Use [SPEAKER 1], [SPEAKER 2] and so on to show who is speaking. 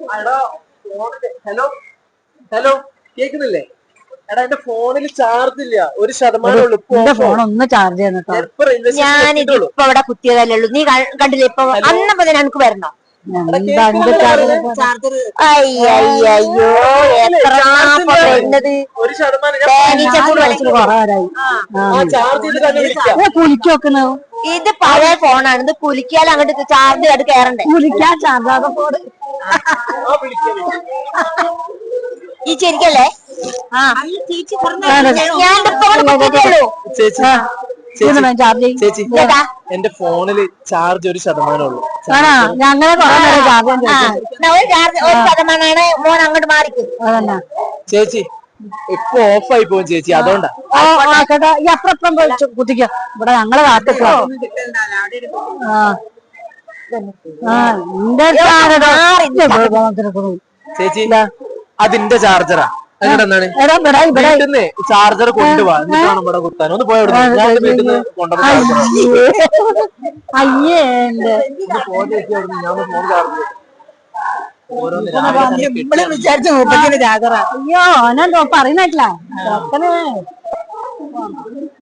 [SPEAKER 1] Hello hello കേക്കുന്നില്ലേ? എടാ എന്റെ ഫോണിൽ ചാർജ് ഇല്ല, 1%
[SPEAKER 2] ഫോൺ ഒന്ന് ചാർജ് ചെയ്യുന്നു.
[SPEAKER 3] ഞാനിതിപ്പോ അവിടെ കുത്തിയതല്ലേ ഉള്ളൂ. നീ കണ്ടില്ലേ ഇപ്പൊ അന്നപ്പോ എനിക്ക് വരണോ? അയ്യോ എത്ര വരുന്നത്
[SPEAKER 2] കുലിക്കൊക്കെ.
[SPEAKER 3] ഇത് പഴയ ഫോണാണ്. ഇത് കുലിക്കാൽ അങ്ങോട്ട് ചാർജ് അത് കയറണ്ടേ?
[SPEAKER 2] കുലിക്കാൻ ചാർജാതെ ഫോൺ
[SPEAKER 3] ഈ ശരിക്കല്ലേ?
[SPEAKER 1] ചേച്ചി എന്റെ ഫോണില് ചാർജ് 1% ഉള്ളൂ.
[SPEAKER 2] ഞങ്ങളെ
[SPEAKER 3] 1% മോൻ അങ്ങോട്ട് മാറിക്കും.
[SPEAKER 1] ചേച്ചി ഇപ്പൊ ഓഫായി പോകും ചേച്ചി, അതുകൊണ്ടാ.
[SPEAKER 2] ഈ അപ്പുറം കുത്തിക്ക. ഇവിടെ ഞങ്ങളെ കാത്തിക്ക.
[SPEAKER 1] ചേച്ചി അതിന്റെ ചാർജറാ. എന്താണ് ചാർജർ കൊണ്ടുപോവാ, എന്നിട്ട് വേണം ഇവിടെ കുത്താൻ. ഒന്ന് പോയ വീട്ടിൽ നിന്ന്
[SPEAKER 2] അയ്യേ
[SPEAKER 1] ഫോൺ ചാർജ്
[SPEAKER 2] വിചാരിച്ചു. അയ്യോ ഓനെന്തോ പറയുന്നില്ല.